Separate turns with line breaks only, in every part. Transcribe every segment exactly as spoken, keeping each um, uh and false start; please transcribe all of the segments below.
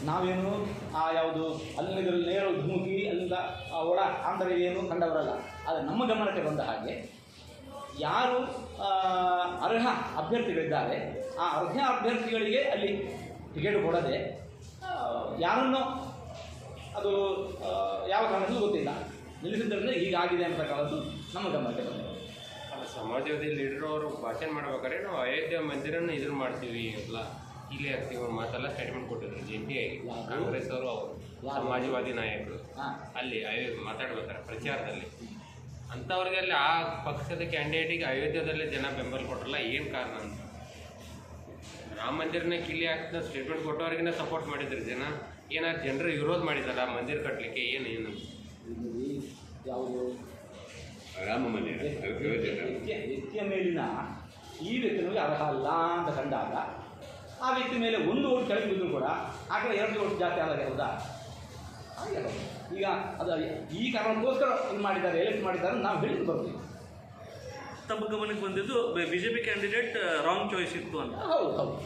ನಾವೇನು ಆ ಯಾವುದು ಅಲ್ಲಿಂದ ನೇರ ಧುಮುಕಿ ಅಲ್ಲಿಂದ ಒಳ ಆಂತರ್ಯ ಏನು ಕಂಡವರಲ್ಲ. ಆದರೆ ನಮ್ಮ ಗಮನಕ್ಕೆ ಬಂದ ಹಾಗೆ ಯಾರು ಅರ್ಹ ಅಭ್ಯರ್ಥಿಗಳಿದ್ದಾರೆ ಆ ಅರ್ಹ ಅಭ್ಯರ್ಥಿಗಳಿಗೆ ಅಲ್ಲಿ ಟಿಕೆಟ್ ಕೊಡದೆ ಯಾರನ್ನು ಅದು ಯಾವ ಕಾರಣಕ್ಕೂ ಗೊತ್ತಿಲ್ಲ ನಿಲ್ಲಿಸಿದ್ದರಿಂದ ಹೀಗಾಗಿದೆ ಅಂತಕ್ಕಂಥದ್ದು ನಮ್ಮ ಗಮನಕ್ಕೆ ಬಂದಿದೆ.
ಸಮಾಜವಾದಿ ಲೀಡರ್ ಅವರು ಭಾಷಣ ಮಾಡ್ಬೇಕಾದ್ರೆ ನಾವು ಅಯೋಧ್ಯೆ ಮಂದಿರನ್ನು ಇದನ್ನು ಮಾಡ್ತೀವಿ ಎಲ್ಲ ಇಲ್ಲೇ ಆಗ್ತೀವಿ ಒಂದು ಮಾತೆಲ್ಲ ಸ್ಟೇಟ್ಮೆಂಟ್ ಕೊಟ್ಟಿದ್ರು ಜಂಟಿಯಾಗಿ ಕಾಂಗ್ರೆಸ್ ಅವರು ಅವರು ಸಮಾಜವಾದಿ ನಾಯಕರು ಅಲ್ಲಿ ಅಯೋ ಮಾತಾಡ್ಬೇಕಾರೆ ಪ್ರಚಾರದಲ್ಲಿ ಅಂಥವ್ರಿಗೆ ಅಲ್ಲಿ ಆ ಪಕ್ಷದ ಕ್ಯಾಂಡಿಡೇಟಿಗೆ ಅಯೋಧ್ಯೆದಲ್ಲೇ ಜನ ಬೆಂಬಲ ಕೊಟ್ಟರಲ್ಲ ಏನು ಕಾರಣ ಅಂತ. ರಾಮ ಮಂದಿರನೇ ಕಿಲ್ಲಿ ಹಾಕ್ತಾ ಸ್ಟೇಟ್ಮೆಂಟ್ ಕೊಟ್ಟವ್ರಿಗಿನ ಸಪೋರ್ಟ್ ಮಾಡಿದ್ರು ಜನ. ಏನಾದ್ರು ಜನರು ವಿರೋಧ ಮಾಡಿದಾರ ಮಂದಿರ ಕಟ್ಟಲಿಕ್ಕೆ ಏನು ಏನು
ಯಾವುದು
ರಾಮ ಮಂದಿರ
ವ್ಯಕ್ತಿಯ ಮೇಲಿನ ಈ ವ್ಯಕ್ತಿ ನಮಗೆ ಅರ್ಹ ಅಲ್ಲ ಅಂತ ಕಂಡಾಗ ಆ ವ್ಯಕ್ತಿ ಮೇಲೆ ಒಂದು ಓಟ್ ಕೆಳಗೆ ಬಿದ್ದರೂ ಕೂಡ ಆ ಕಡೆ ಎರಡು ಓಟ್ ಜಾಸ್ತಿ ಆದಾಗ ಹೌದಾ ಹಾಗೆ ಈಗ ಅದು ಈ ಕಾರಣಕ್ಕೋಸ್ಕರ ಇದು ಮಾಡಿದ್ದಾರೆ ಎಲೆಕ್ಟ್ ಮಾಡಿದ್ದಾರೆ ನಾವು ಹೇಳಿದ್ದು ಬರ್ತೀವಿ.
ತಮ್ಮ ಗಮನಕ್ಕೆ ಬಂದಿದ್ದು B J P candidate wrong choice ಇತ್ತು ಅಂತ.
ಹೌದು ಹೌದು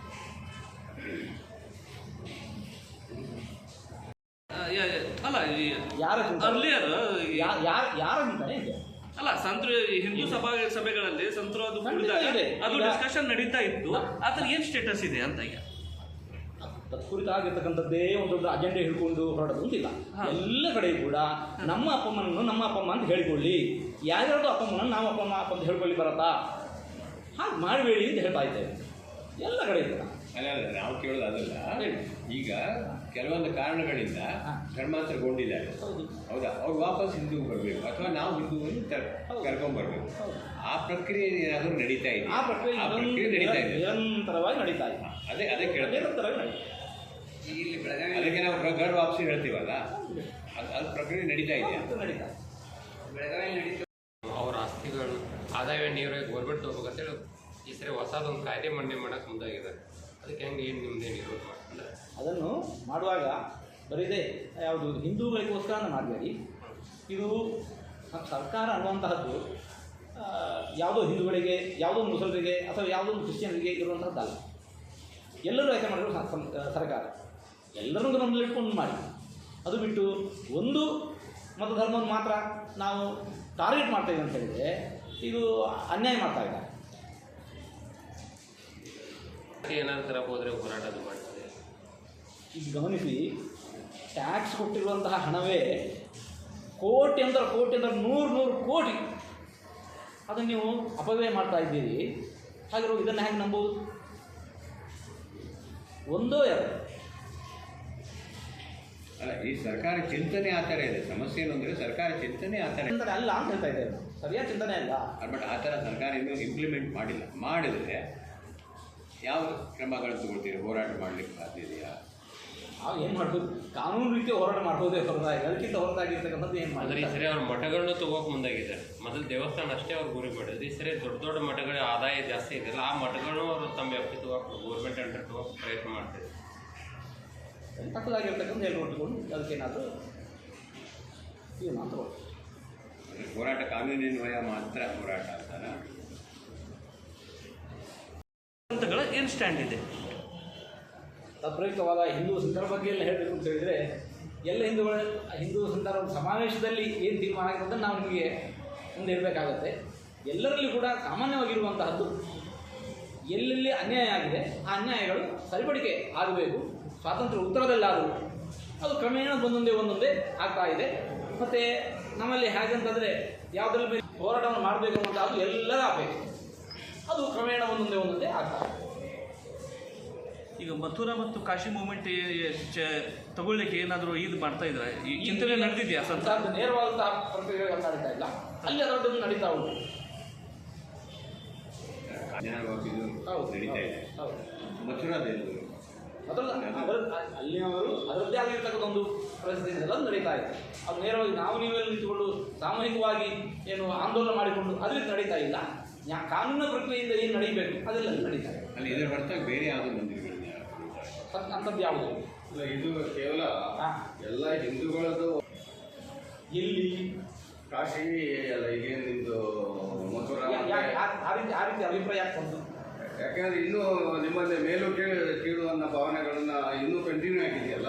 ಅಲ್ಲ
ಯಾರ
ಅರ್ಲಿಯರ್
ಯಾರ ಯಾರ ಅಂತಾನೆ ಇದೆ
ಅಲ್ಲ ಸಂತ್ರ ಹಿಂದೂ ಸಭಾ ಸಭೆಗಳಲ್ಲಿ ಸಂತರು ಅದು ಕುಡಿದಾಗ ಅದು ಡಿಸ್ಕಷನ್ ನಡೀತಾ ಇತ್ತು. ಅದ್ರ ಏನು ಸ್ಟೇಟಸ್ ಇದೆ ಅಂತ ಈಗ
ಕುರಿತಾಗಿರ್ತಕ್ಕಂಥದ್ದೇ ಒಂದು ದೊಡ್ಡ ಅಜೆಂಡೆ ಹಿಡ್ಕೊಂಡು ಹೊರಡೋದು ಅಂತಿಲ್ಲ. ಎಲ್ಲ ಕಡೆ ಕೂಡ ನಮ್ಮ ಅಪ್ಪಮ್ಮನನ್ನು ನಮ್ಮ ಅಪ್ಪಮ್ಮ ಅಂತ ಹೇಳಿಕೊಳ್ಳಿ, ಯಾರ್ಯಾರ್ದು ಅಪ್ಪಮ್ಮನನ್ನು ನಾವು ಅಪ್ಪಮ್ಮ ಅಪ್ಪ ಅಂತ ಹೇಳ್ಕೊಳ್ಳಿ ಬರತ್ತಾ ಹಾಗೆ ಮಾಡಬೇಡಿ ಅಂತ ಹೇಳ್ತಾ ಇದ್ದೇವೆ ಎಲ್ಲ ಕಡೆ ಇದ್ದಾರೆ.
ಅಲ್ಲ ಅಲ್ಲ ನಾವು ಕೇಳೋದು ಅದಲ್ಲ. ಈಗ ಕೆಲವೊಂದು ಕಾರಣಗಳಿಂದ ಧರ್ಮಾಂತರಗೊಂಡಿದ್ದಾರೆ ಹೌದಾ, ಅವ್ರು ವಾಪಸ್ ಹಿಂದೂಗೆ ಬರಬೇಕು ಅಥವಾ ನಾವು ಹಿಂದೂವನ್ನು ಕರ್ಕೊಂಡ್ಬರ್ಬೇಕು. ಆ ಪ್ರಕ್ರಿಯೆ ಏನಾದರೂ ನಡೀತಾ ಇದೆ,
ಆ ಪ್ರಕ್ರಿಯೆ
ನಡೀತಾ ಇದೆ,
ನಿರಂತರವಾಗಿ ನಡೀತಾ ಇದೆ.
ಅದೇ ಅದೇ ಕೇಳ್ತೇವೆ
ನಿರಂತರವಾಗಿ ನಡೀತಾ
ಇಲ್ಲಿ ಅದಕ್ಕೆ ನಾವು ಗರ್ ವಾಪಸಿ ಹೇಳ್ತೀವಲ್ಲ, ಅದು ಅದು ಪ್ರಕ್ರಿಯೆ ನಡೀತಾ ಇದೆಯಾ?
ನಡೀತಾ
ಬೆಳಗಾವಿ ನಡೀತಾ ಅವ್ರ ಆಸ್ತಿಗಳು ಆದಾಯ ನೀರು ಗೌರ್ಮೆಂಟ್ ತಗೋಬೇಕಂತೇಳಿ ಈ ಸರಿ ಹೊಸದೊಂದು ಕಾಯ್ದೆ ಮಂಡನೆ ಮಾಡೋಕ್ಕೆ ಮುಂದಾಗಿದ್ದಾರೆ. ಅದಕ್ಕೆ ಹೆಂಗೆ ಏನು ನಿಮ್ಮದೇನು ಇರೋದು ಮಾಡ್ತಾರೆ
ಅದನ್ನು ಮಾಡುವಾಗ ಬರೀದೆ ಯಾವುದು ಹಿಂದೂಗಳಿಗೋಸ್ಕರ ಮಾಡಬೇಡಿ. ಇದು ಸರ್ಕಾರ ಅನ್ನುವಂತಹದ್ದು ಯಾವುದೋ ಹಿಂದೂಗಳಿಗೆ ಯಾವುದೋ ಮುಸಲ್ರಿಗೆ ಅಥವಾ ಯಾವುದೋ ಕ್ರಿಶ್ಚಿಯನ್ರಿಗೆ ಇರುವಂಥದ್ದಲ್ಲ. ಎಲ್ಲರೂ ಆಯ್ಕೆ ಮಾಡಿದ್ರು ಸರ್ಕಾರ ಎಲ್ಲರನ್ನೂ ಗಮನದಲ್ಲಿಟ್ಕೊಂಡು ಮಾಡಿ. ಅದು ಬಿಟ್ಟು ಒಂದು ಮತ ಧರ್ಮವನ್ನು ಮಾತ್ರ ನಾವು ಟಾರ್ಗೆಟ್ ಮಾಡ್ತಾಯಿದ್ದೀವಿ ಅಂತ ಹೇಳಿದರೆ ಇದು ಅನ್ಯಾಯ ಮಾಡ್ತಾ ಇದ್ದಾರೆ.
ಏನಾದ್ರು ಥರ ಹೋದರೆ ಹೋರಾಟ ಮಾಡ್ತದೆ.
ಈಗ ಗಮನಿಸಿ, ಟ್ಯಾಕ್ಸ್ ಕೊಟ್ಟಿರುವಂತಹ ಹಣವೇ ಕೋಟಿ ಅಂದ್ರೆ ಕೋಟಿ ಅಂದ್ರೆ ನೂರು ನೂರು ಕೋಟಿ ಅದನ್ನು ನೀವು ಅಪವ್ಯಯ ಮಾಡ್ತಾ ಇದ್ದೀರಿ. ಹಾಗಿರೋ ಇದನ್ನು ಹೇಗೆ ನಂಬೋದು? ಒಂದೋ ಎರಡು
ಅಲ್ಲ, ಈ ಸರ್ಕಾರ ಚಿಂತನೆ ಆ ಥರ ಇದೆ. ಸಮಸ್ಯೆ ಏನು ಅಂದರೆ ಸರ್ಕಾರ ಚಿಂತನೆ ಆ ಥರ
ಚಿಂತನೆ ಅಲ್ಲ ಅಂತ ಹೇಳ್ತಾ ಇದ್ದೇವೆ. ಸರಿಯಾದ ಚಿಂತನೆ ಅಲ್ಲ.
ಬಟ್ ಆ ಥರ ಸರ್ಕಾರ ಇನ್ನೂ ಇಂಪ್ಲಿಮೆಂಟ್ ಮಾಡಿಲ್ಲ. ಮಾಡಿದರೆ ಯಾವ ಕ್ರಮಗಳನ್ನು ತಗೊಳ್ತೀರಿ? ಹೋರಾಟ ಮಾಡಲಿಕ್ಕೆ ಸಾಧ್ಯ ಇದೆಯಾ?
ನಾವು ಏನು ಮಾಡ್ಬೋದು? ಕಾನೂನು ರೀತಿ ಹೋರಾಟ ಮಾಡ್ಬೋದೇ ಹೊರತಾಗಿ ಅದಕ್ಕಿಂತ ಹೊರತಾಗಿರ್ತಕ್ಕಂಥದ್ದು ಏನು
ಆದರೆ ಈ ಸರಿ ಅವ್ರ ಮಠಗಳನ್ನ ತಗೋಕೆ ಮುಂದಾಗಿದ್ದಾರೆ. ಮೊದಲು ದೇವಸ್ಥಾನ ಅಷ್ಟೇ ಅವ್ರು ಗುರಿ ಮಾಡಿದ್ರು. ಈ ಸರಿ ದೊಡ್ಡ ದೊಡ್ಡ ಮಠಗಳ ಆದಾಯ ಜಾಸ್ತಿ ಇದೆಯಲ್ಲ, ಆ ಮಠಗಳನ್ನು ಅವರು ತಮ್ಮ ವ್ಯಾಪ್ತಿ ತಗೋಕೆ ಗೌರ್ಮೆಂಟ್ ಅಂಡರ್ ತಗೋಕೆ ಪ್ರಯತ್ನ ಮಾಡ್ತಾರೆ.
ತಕ್ಕದಾಗಿರ್ತಕ್ಕಂಥ ಹೇಳಿ ನೋಡಿಕೊಂಡು ಅದಕ್ಕೇನಾದರೂ ಇದು ಮಾತ್ರ
ಹೋರಾಟ ಕಾನೂನಿನ್ವಯ ಮಾತ್ರ ಹೋರಾಟ ಅಂತಾರ
ಏನು ಸ್ಟ್ಯಾಂಡ್ ಇದೆ?
ತದ್ರಯುಕ್ತವಾದ ಹಿಂದೂ ಸಂತರ ಬಗ್ಗೆ ಎಲ್ಲ ಹೇಳಬೇಕು ಅಂತ ಹೇಳಿದರೆ ಎಲ್ಲ ಹಿಂದೂಗಳ ಹಿಂದೂ ಸಂತರ ಸಮಾವೇಶದಲ್ಲಿ ಏನು ತೀರ್ಮಾನ ಆಗಿರೋದನ್ನು ನಾವು ನಿಮಗೆ ಮುಂದೆ ಇಡಬೇಕಾಗತ್ತೆ. ಎಲ್ಲರಲ್ಲಿ ಕೂಡ ಸಾಮಾನ್ಯವಾಗಿರುವಂತಹದ್ದು ಎಲ್ಲೆಲ್ಲಿ ಅನ್ಯಾಯ ಆಗಿದೆ ಆ ಅನ್ಯಾಯಗಳು ಸರಿಪಡಿಕೆ ಆಗಬೇಕು. ಸ್ವಾತಂತ್ರ್ಯ ಉತ್ತರದಲ್ಲಾದರೂ ಅದು ಕ್ರಮೇಣ ಒಂದೊಂದೇ ಒಂದೊಂದೇ ಆಗ್ತಾ ಇದೆ. ಮತ್ತು ನಮ್ಮಲ್ಲಿ ಹೇಗಂತಂದರೆ ಯಾವುದರಲ್ಲಿ ಮೇಲೆ ಹೋರಾಟವನ್ನು ಮಾಡಬೇಕು ಅನ್ನೋದು ಎಲ್ಲರ ಅಪೇಕ್ಷೆ. ಅದು ಕ್ರಮೇಣ ಒಂದೊಂದೇ ಒಂದೊಂದೇ ಆಗ್ತಾ ಇದೆ.
ಈಗ ಮಥುರಾ ಮತ್ತು ಕಾಶಿ ಮೂಮೆಂಟ್ ತಗೊಳ್ಳಿಕ್ಕೆ ಏನಾದರೂ ಇದು ಮಾಡ್ತಾ ಇದ್ದಾರೆ? ಈ ಚಿಂತನೆ ನಡೆದಿದೆಯಾ?
ಸಂಸಾರದ ನೇರವಾದಂತಹ ಪ್ರಕ್ರಿಯೆಗಳು ನಡೀತಾ ಇಲ್ಲ, ಅಲ್ಲಿ ಅದರದ್ದು ನಡೀತಾ ಉಂಟು.
ಹೌದು, ನಡೀತಾ ಇದೆ.
ಹೌದು,
ಮಥುರಾದಲ್ಲಿ
ಅದರಲ್ಲ ಅದರ ಅಲ್ಲಿನವರು ಅದರದ್ದೇ ಆಗಿರ್ತಕ್ಕಂಥ ಒಂದು ಪರಿಸ್ಥಿತಿ ಅದು ನಡೀತಾ ಇದೆ. ಅದು ನೇರವಾಗಿ ನಾವು ನೀವೆಲ್ಲ ನಿಂತುಕೊಂಡು ಸಾಮೂಹಿಕವಾಗಿ ಏನು ಆಂದೋಲನ ಮಾಡಿಕೊಂಡು ಅದರಿಂದ ನಡೀತಾ ಇಲ್ಲ. ಕಾನೂನಿನ ಪ್ರಕ್ರಿಯೆಯಿಂದ ಏನು ನಡೀಬೇಕು ಅದೆಲ್ಲ ನಡೀತಾ ಇದೆ.
ಅಲ್ಲಿ ಇದರ ಹೊರತಾಗಿ ಬೇರೆ ಯಾವುದೋ ಮಂದಿರಗಳಿಂದ
ಅಂಥದ್ದು ಯಾವುದು
ಇಲ್ಲ. ಇದು ಕೇವಲ ಎಲ್ಲ ಹಿಂದೂಗಳದ್ದು
ಎಲ್ಲಿ
ಕಾಶಿ ಅಲ್ಲ, ಈಗೇನು ನಿಮ್ಮದು ಮಥುರಾ
ಆ ರೀತಿ ಆ ರೀತಿ ಅಭಿಪ್ರಾಯ ಯಾಕೆ ಬಂತು?
ಯಾಕಂದ್ರೆ ಇನ್ನೂ ನಿಮ್ಮಲ್ಲಿ ಮೇಲೂ ಕೀಳು ಕೀಳು ಅನ್ನೋ ಭಾವನೆಗಳನ್ನ ಇನ್ನೂ ಕಂಟಿನ್ಯೂ ಆಗಿದೆಯಲ್ಲ.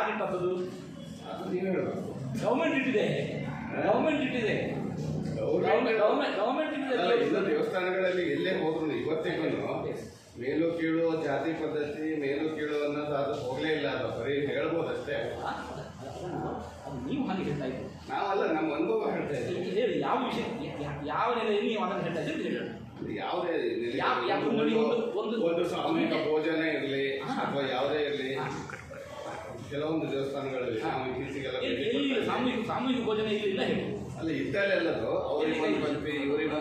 ಯಾರಿಟ್ಟದ್ದು?
ಅದು ನೀವು ಹೇಳಬೇಕು.
ಗೌರ್ಮೆಂಟ್ ಇಟ್ಟಿದೆ, ಗೌರ್ಮೆಂಟ್ ಇಟ್ಟಿದೆ, ಗೌರ್ಮೆಂಟ್ ಗೌರ್ಮೆಂಟ್ ಗೌರ್ಮೆಂಟ್
ಅಲ್ಲ,
ಇಟ್ಟಿದೆ.
ಇನ್ನು ದೇವಸ್ಥಾನಗಳಲ್ಲಿ ಎಲ್ಲೇ ಹೋದ್ರು ಇವತ್ತಿಗೂ ಮೇಲು ಕೀಳು ಜಾತಿ ಪದ್ಧತಿ ಮೇಲು ಕೀಳು ಅನ್ನೋದು ಅದು ಹೋಗ್ಲೇ ಇಲ್ಲ. ಅದು ಬರೀ ಹೇಳ್ಬೋದಷ್ಟೇ.
ಅದು ನೀವು ಹಾಗೆ ಹೇಳ್ತಾ ಇದ್ದೀರಿ.
ನಾವಲ್ಲ, ನಮ್ಮ ಅನುಭವ ಹೇಳ್ತಾ ಇದ್ದೀವಿ.
ಹೇಳಿ ಯಾವ ವಿಷಯ, ಯಾ- ಯಾವ ನೆಲೆಯಲ್ಲಿ ನೀವು ಅದನ್ನು ಹೇಳ್ತಾ ಇದ್ದೀರಿ ಹೇಳಿ.
ಯಾವುದೇ ನೆಲೆ-
ಯಾವ- ಯಾವ ನೋಡಿ ಒಂದು- ಒಂದು-
ಒಂದು ಸಾಮೂಹಿಕ ಭೋಜನ ಇರಲಿ
ಹಾ.
ಅಥವಾ ಯಾವುದೇ ಇರಲಿ,
ಹಾ.
ಕೆಲವೊಂದು ದೇವಸ್ಥಾನಗಳಲ್ಲಿ ನಾವು ಇತ್ತೀಚೆಗೆಲ್ಲ
ಎಲ್ಲಿ-
ಭೇಟಿ
ಎಲ್ಲಿ
ಕೊಡ್ತಾ ಇದ್ದೀವಿ.
ಸಾಮೂಹಿಕ ಸಾಮೂಹಿಕ ಭೋಜನ ಇಲ್ಲ ಇಲ್ಲ ಹೇಳಿ.
ಅಲ್ಲ ಇದ್ದಲ್ಲೆಲ್ಲದು ಅವ್ರಿಗೆ ಒಂದು ಪಂಕ್ತಿ ಇವರಿಗೆ